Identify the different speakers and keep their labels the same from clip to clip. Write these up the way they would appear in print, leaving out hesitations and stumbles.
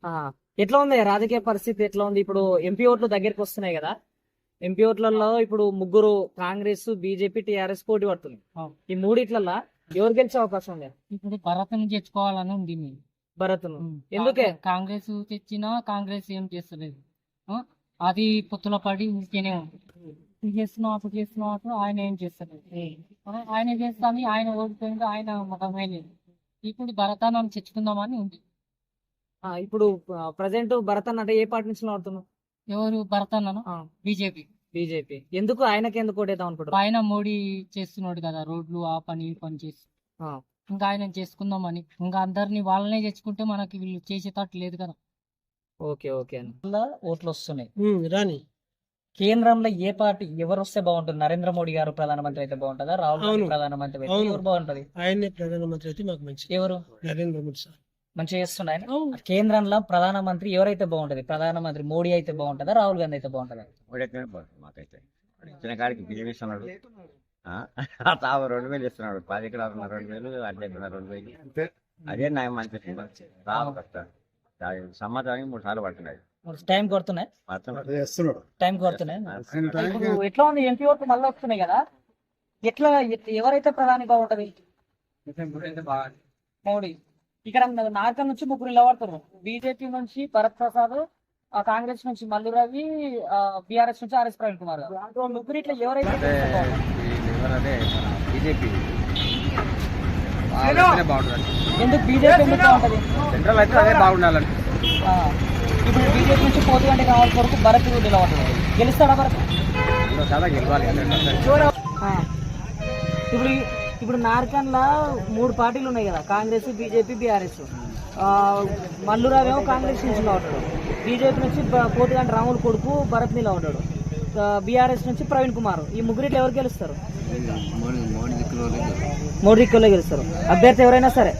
Speaker 1: ఆ, ఎట్లా ఉంది రాజకీయ పరిస్థితి ఎట్లా ఉంది ఇప్పుడు? ఎంపీ ఓట్లు దగ్గరికి వస్తున్నాయి కదా. ఎంపీ ఓట్లలో ఇప్పుడు ముగ్గురు కాంగ్రెస్, బీజేపీ, టిఆర్ఎస్ పోటీ పడుతుంది. ఈ మూడిట్లల్లో ఎవరు గెలిచే అవకాశం ఉంది?
Speaker 2: ఇప్పుడు భరత్ని తెచ్చుకోవాలని ఉంది మీ
Speaker 1: భరత్ను. ఎందుకే?
Speaker 2: కాంగ్రెస్ తెచ్చినా కాంగ్రెస్ ఏం చేస్తలేదు. ఆ? అది పొత్తుల పడి ఇంకేనే ఉంది. ఇది చేస్తున్నాం అప్పుడు చేస్తున్నాం అప్పుడు ఆయన ఏం చేస్తలేదు. ఆయన చేస్తాను, ఆయన ఓడిపోయింది, ఆయన ముఖమే లేదు. ఇప్పుడు భరతాన్ని తెచ్చుకుందామని ఉంది.
Speaker 1: ఇప్పుడు ప్రజెంట్ భరత్ అన్న అంటే ఏ పార్టీ నుంచి ఆడుతున్నావు?
Speaker 2: ఎవరు భరతన్నను? బీజేపీ.
Speaker 1: బీజేపీ. ఎందుకు ఆయనకి ఎందుకు ఓటేద్దాం అనుకుంటారు?
Speaker 2: ఆయన మోడీ చేస్తున్నాడు కదా, రోడ్లు ఆ పని ఈ పని చేసి. ఇంకా ఆయన చేసుకుందామని, ఇంకా అందరినీ వాళ్ళనే తెచ్చుకుంటే మనకి వీళ్ళు చేసేటట్టు లేదు కదా.
Speaker 1: ఓకే ఓకే అన్న. ఓట్లు వస్తున్నాయి
Speaker 3: రాని
Speaker 1: కేంద్రంలో ఏ పార్టీ ఎవరు వస్తే బాగుంటుంది? నరేంద్ర మోడీ గారు ప్రధానమంత్రి అయితే బాగుంటుందా? రాహుల్ గాంధీ
Speaker 3: అవును.
Speaker 1: ప్రధానమంత్రి అయితే
Speaker 3: అవును.
Speaker 1: ఎవరు బాగుంటది?
Speaker 3: ఆయనే ప్రధానమంత్రి అయితే మాకు మంచి.
Speaker 1: ఎవరు
Speaker 3: నరేంద్ర మోడీ సార్.
Speaker 1: మంచిగా చేస్తున్నాయి కేంద్రంలో ప్రధానమంత్రి ఎవరైతే బాగుంటది? ప్రధానమంత్రి మోడీ అయితే బాగుంటుందా? రాహుల్ గాంధీ అయితే బాగుంటుందా?
Speaker 4: ఓడైతేనే బాగుంటుంది మాకైతే. ఇచ్చిన కాడికి బియ్యం ఇస్తున్నాడు, 2000 ఇస్తున్నాడు. 10 ఎకరాలు 2000, అర్ధ ఎకరా 2000. అదే న్యాయం అనిపిస్తుంది. సంవత్సరానికి 3 సార్లు పడుతున్నాయి.
Speaker 1: టైం కొడుతున్నాయి, టైం కొడుతున్నాయి. ఇప్పుడు ఎట్లా ఉంది? ఎంపీ ఓట్లు మళ్ళీ వస్తున్నాయి కదా. ఎట్లా ఎవరైతే ప్రధాని బాగుంటది? మోడీ. ఇక్కడ నార్కల్ నుంచి ముగ్గురు నిలబడుతున్నారు. బీజేపీ నుంచి భరత్ ప్రసాద్, కాంగ్రెస్ నుంచి మల్లు రవి, బీఆర్ఎస్ నుంచి ఆర్ఎస్ ప్రవీణ్ కుమార్. ముగ్గురు ఇట్లా ఎవరైతే
Speaker 4: బీజేపీ
Speaker 1: ఎందుకు బీజేపీ ఎందుకు బాగుంటది?
Speaker 4: సెంట్రల్ అయితే అదే బాగుండాలండి.
Speaker 1: ఇప్పుడు బీజేపీ నుంచి పోటీ అంటే కావాల్సిన వరకు భరత్ నిలబడుతుంది. గెలుస్తాడా భరత్?
Speaker 4: చాలా గెలవాలి.
Speaker 1: ఇప్పుడు ఇప్పుడు నార్కన్లా 3 పార్టీలు ఉన్నాయి కదా, కాంగ్రెస్, బీజేపీ, బీఆర్ఎస్. మల్లురావు ఏమో కాంగ్రెస్ నుంచి నిలబడ్డాడు, బీజేపీ నుంచి పోతుగంటి రాములు కొడుకు భరత్ నిలబడ్డాడు, బీఆర్ఎస్ నుంచి ప్రవీణ్ కుమార్. ఈ ముగ్గురిట్లో ఎవరు గెలుస్తారు? మోడీ దిక్కులో గెలుస్తారు. అభ్యర్థి ఎవరైనా సరే.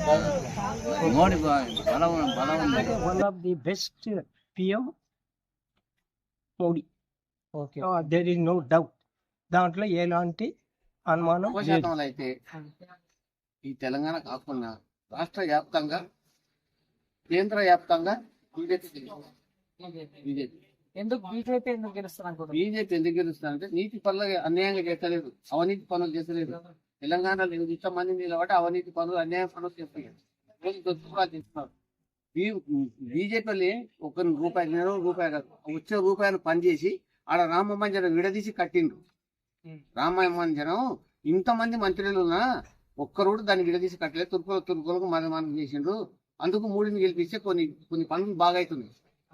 Speaker 3: One of the best PM Modi.
Speaker 1: Okay.
Speaker 3: There is no doubt. దాంట్లో ఎలాంటి అనుమానం లేదు.
Speaker 5: అయితే ఈ తెలంగాణ కాకుండా రాష్ట్ర వ్యాప్తంగా, కేంద్ర వ్యాప్తంగా బీజేపీ
Speaker 1: ఎందుకు బీజేపీ ఎందుకు గెలుస్తారు అనుకుంటున్నారు?
Speaker 5: బీజేపీ ఎందుకు గెలుస్తారంటే నీతి పనులు అన్యాయంగా చేస్తలేదు, అవినీతి పనులు చేస్తలేదు. తెలంగాణలో ఇంతమంది నిలబడి అవినీతి పనులు, అన్యాయ పనులు చేస్తున్నారు. బీజేపీ ఒక రూపాయి, 2 రూపాయలు కాదు, వచ్చే రూపాయలు పనిచేసి ఆడ రామ మందిరం విడదీసి కట్టిండ్రు. రామ మందిరం ఇంతమంది మంత్రులు ఉన్నా ఒక్కరోడు దాన్ని విడదీసి కట్టలేదు. తుర్కులకు మనం చేసిండ్రు. అందుకు మోడీని గెలిపిస్తే కొన్ని పనులు బాగా అవుతుంది.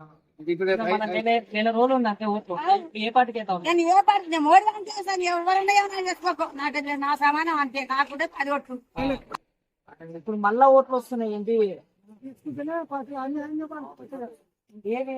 Speaker 1: నెల రోజులు ఉంది అంటే ఓట్లు. ఏ పార్టీకి అయితే
Speaker 6: నేను ఏ పార్టీ మోడీ అంటే ఎవరైనా ఏమైనా చేసుకో, నాకు నా సమానం అంతే, కాకుండా 10 ఓట్లు.
Speaker 1: ఇప్పుడు మళ్ళా ఓట్లు వస్తున్నాయి ఏంటి? ఏవి?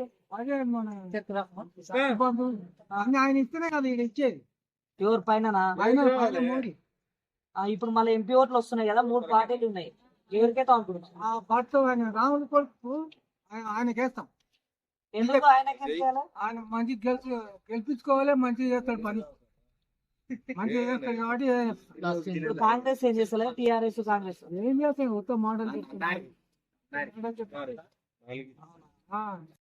Speaker 3: ఆయన ఇస్తేనే కదా ఈయన ఇచ్చేది.
Speaker 1: ఎవరి పైన?
Speaker 3: మోడీ.
Speaker 1: ఇప్పుడు మళ్ళీ ఎంపీ ఓట్లు వస్తున్నాయి కదా, 3 పార్టీలు ఉన్నాయి. ఎవరికైతే అనుకుంటున్నాం?
Speaker 3: ఆ పార్టీతో ఆయన రాములు కొడుకు ఆయనకేస్తాం.
Speaker 1: ఎందుకు ఆయనకి చేయాలి?
Speaker 3: ఆయన మంచి గెలిపించుకోవాలి, మంచిగా చేస్తాడు పని, మంచిగా చేస్తాడు కాబట్టి
Speaker 1: ఇప్పుడు కాంగ్రెస్ ఏం చేస్తలేదు, టిఆర్ఎస్ కాంగ్రెస్
Speaker 3: ఏం చేస్తాడు? మొత్తం మోడల్